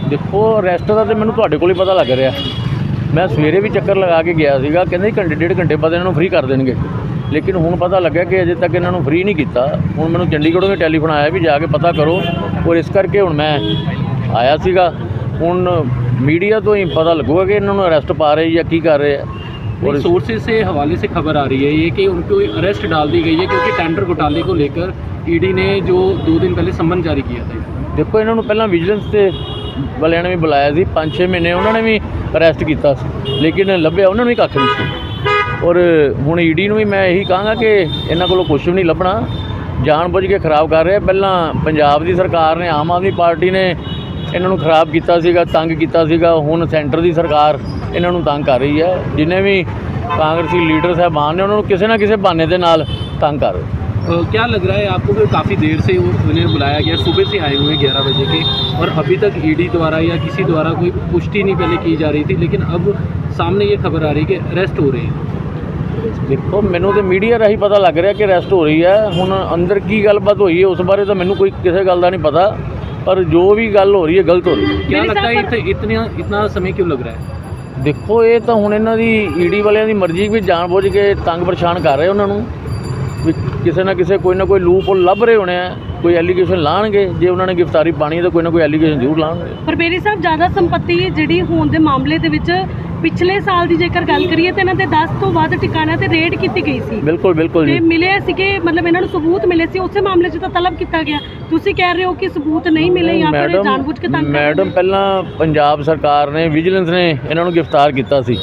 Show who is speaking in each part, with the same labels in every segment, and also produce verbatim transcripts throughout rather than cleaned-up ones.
Speaker 1: देखो अरैसट का तो मैंने तुहाडे कोल ही पता लग रहा। मैं सवेरे भी चक्कर लगा के गया सीगा, कहंदे घंटे डेढ़ घंटे बाद इन्हों फ्री कर देंगे, लेकिन हुण पता लग्या कि अजे तक इन्हों फ्री नहीं किया। हुण मैनूं चंडीगढ़ों भी टैलीफोन आया भी जाके पता करो, और इस करके हुण मैं आया सीगा। हुण मीडिया तो ही पता लगूगा कि इन्होंने अरैसट पा रहे या की कर रहे हैं।
Speaker 2: और सोर्सेज से हवाले से खबर आ रही है ये कि उनको अरेस्ट डाल दी गई है क्योंकि टेंडर घोटाले को लेकर ईडी ने जो दो दिन पहले सम्मन जारी किया था।
Speaker 1: देखो इन्होंने पहला विजिलेंस से वालियां ने भी बुलाया सी, पाँच छे महीने उन्होंने भी अरैसट किया, लेकिन लभ्या उन्होंने भी कख नहीं सी। और हुण ईडी भी मैं यही कहांगा कि इन्हां कोलों कुछ भी नहीं लभना, जानबुझ के खराब कर रहे। पहला पंजाब की सरकार ने, आम आदमी पार्टी ने इन्हों खराब किया सीगा, तंग किया सीगा। हुण सेंटर की सरकार इन्हों तंग कर रही है। जिन्हें भी कांग्रेसी लीडर साहबान ने उन्होंने किसी ना किसी बहाने के नाल तंग कर रहे।
Speaker 2: Uh, क्या लग रहा है आपको कि काफ़ी देर से उन्हें बुलाया गया, सुबह से आए हुए ग्यारह बजे के, और अभी तक ईडी द्वारा या किसी द्वारा कोई पुष्टि नहीं पहले की जा रही थी, लेकिन अब सामने ये खबर आ रही है कि अरेस्ट हो रहे हैं।
Speaker 1: देखो मैनू तो मीडिया राही पता लग रहा कि अरेस्ट हो रही है। हुण अंदर की गलबात हुई है उस बारे तो मैनू कोई किसी गल का नहीं पता, पर जो भी गल हो रही है गलत हो रही है।
Speaker 2: क्या लगता है इत, इतना इतना समय क्यों लग रहा है?
Speaker 1: देखो ये तो हुण इन्हां दी ईडी वालियां दी मर्जी भी जानबूझ के तंग परेशान कर रहे उन्होंने भी, किसी ना किसी कोई ना कोई लूप होल लभ रहे होने हैं, कोई एलीगेशन लाणगे। जे उन्होंने गिरफ्तारी पानी है तो कोई ना कोई एलीगेशन जरूर लाणगे।
Speaker 3: पर बेरी साहब ज़्यादा संपत्ति जिहड़ी होण दे मामले दे विच पिछले साल की जेकर गल करिए तो इन्होंने दस तो वध ठिकाणिਆਂ ते रेड की गई सी।
Speaker 1: बिल्कुल बिल्कुल जी,
Speaker 3: मिले सीगे, मतलब इन्होंने सबूत मिले सी, उस मामले च तो तलब किया गया। तुसीं कह रहे हो कि सबूत नहीं मिले या फिर जानबूझ के तंग?
Speaker 1: मैडम पहला पंजाब सरकार ने, विजिलेंस ने इन्हों गिरफ्तार किया सी,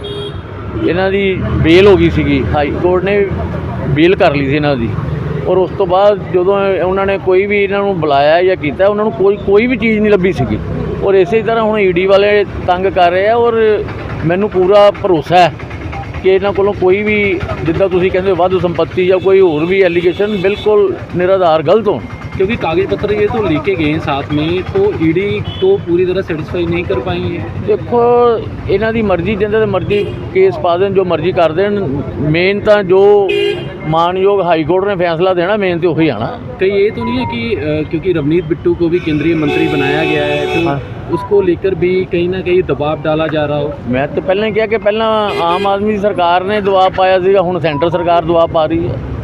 Speaker 1: इन्हां दी बेल हो गई सी, हाई कोर्ट ने बेल कर ली थी इन्हां दी। और उस तो बाद जदों उन्होंने कोई भी इन्हों बुलाया या किया, उन्होंने कोई कोई भी चीज़ नहीं लभी सी। और इस तरह हुण ईडी वाले तंग कर रहे हैं, और मैनू पूरा भरोसा है कि इन्हों कोलों कोई भी जिद्दां तुसीं कहंदे हो वाधू संपत्ति या कोई होर भी एलीगेशन बिल्कुल निराधार गलत हो,
Speaker 2: क्योंकि कागज पत्र ये तो लेके गए साथ में, तो ईडी तो पूरी तरह सेटिस्फाई नहीं कर पाई है।
Speaker 1: देखो इन्हां दी मर्जी, जिंदे मर्जी केस पा देन, जो मर्जी कर देन। मेन तो जो मानयोग हाई कोर्ट ने फैसला देना, मेन तो वही आना।
Speaker 2: कहीं ये तो नहीं है कि आ, क्योंकि रवनीत बिट्टू को भी केंद्रीय मंत्री बनाया गया है, तो
Speaker 1: हाँ।
Speaker 2: उसको लेकर भी कहीं ना कहीं दबाव डाला जा रहा हो?
Speaker 1: मैं तो पहले कहा कि पहला आम आदमी सरकार ने दबाव पाया सीगा, हुण सेंटर सरकार दबाव पा रही है।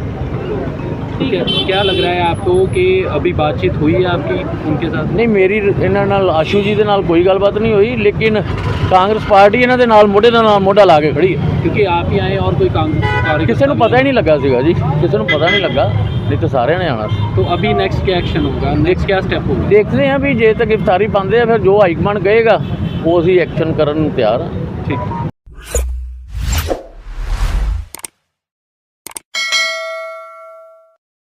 Speaker 2: ठीक है, क्या लग रहा है आपको कि अभी बातचीत हुई है आपकी उनके साथ?
Speaker 1: नहीं, मेरी इन्हां नाल आशू जी दे नाल कोई गलबात नहीं हुई, लेकिन कांग्रेस पार्टी इन्हां दे नाल मोढे दे नाल मोढा ला के खड़ी है।
Speaker 2: क्योंकि आप ही आए और कोई कांग्रेस
Speaker 1: किसी को पता ही नहीं लगा सीगा जी, किसी को पता नहीं लगा, नहीं तो सारे ने आना सी।
Speaker 2: तो अभी नेक्स्ट क्या एक्शन होगा, नेक्स्ट क्या स्टेप होगा?
Speaker 1: देखते हैं भी, जे तक गिरफ्तारी पाते हैं फिर जो हाईकमान कहेगा वो असीं एक्शन करन नूं तैयार हाँ।
Speaker 2: ठीक।